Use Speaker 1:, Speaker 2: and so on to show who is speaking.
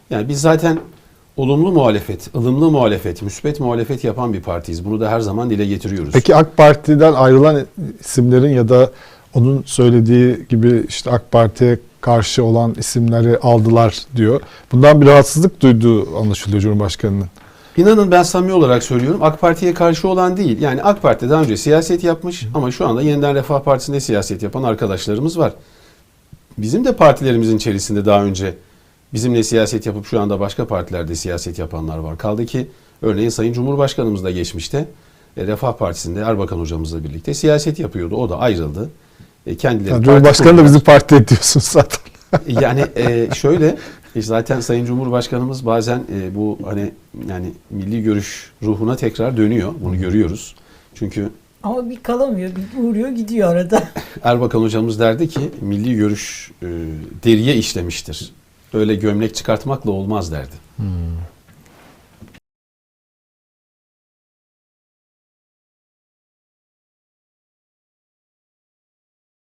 Speaker 1: Yani biz zaten olumlu muhalefet, ılımlı muhalefet, müspet muhalefet yapan bir partiyiz. Bunu da her zaman dile getiriyoruz.
Speaker 2: Peki AK Parti'den ayrılan isimlerin ya da onun söylediği gibi işte AK Parti'ye karşı olan isimleri aldılar diyor. Bundan bir rahatsızlık duyduğu anlaşılıyor Cumhurbaşkanı'nın.
Speaker 1: İnanın ben samimi olarak söylüyorum, AK Parti'ye karşı olan değil. Yani AK Parti daha önce siyaset yapmış ama şu anda Yeniden Refah Partisi'nde siyaset yapan arkadaşlarımız var. Bizim de partilerimizin içerisinde daha önce bizimle siyaset yapıp şu anda başka partilerde siyaset yapanlar var. Kaldı ki örneğin Sayın Cumhurbaşkanımız da geçmişte Refah Partisi'nde Erbakan hocamızla birlikte siyaset yapıyordu. O da ayrıldı. Kendileri
Speaker 2: Yani Cumhurbaşkanı da bizim parti diyorsun zaten.
Speaker 1: Yani şöyle zaten Sayın Cumhurbaşkanımız bazen bu hani yani milli görüş ruhuna tekrar dönüyor. Bunu görüyoruz. Çünkü
Speaker 3: Ama bir kalamıyor, bir uğruyor gidiyor arada.
Speaker 1: Erbakan hocamız derdi ki milli görüş deriye işlemiştir. Öyle gömlek çıkartmakla olmaz derdi.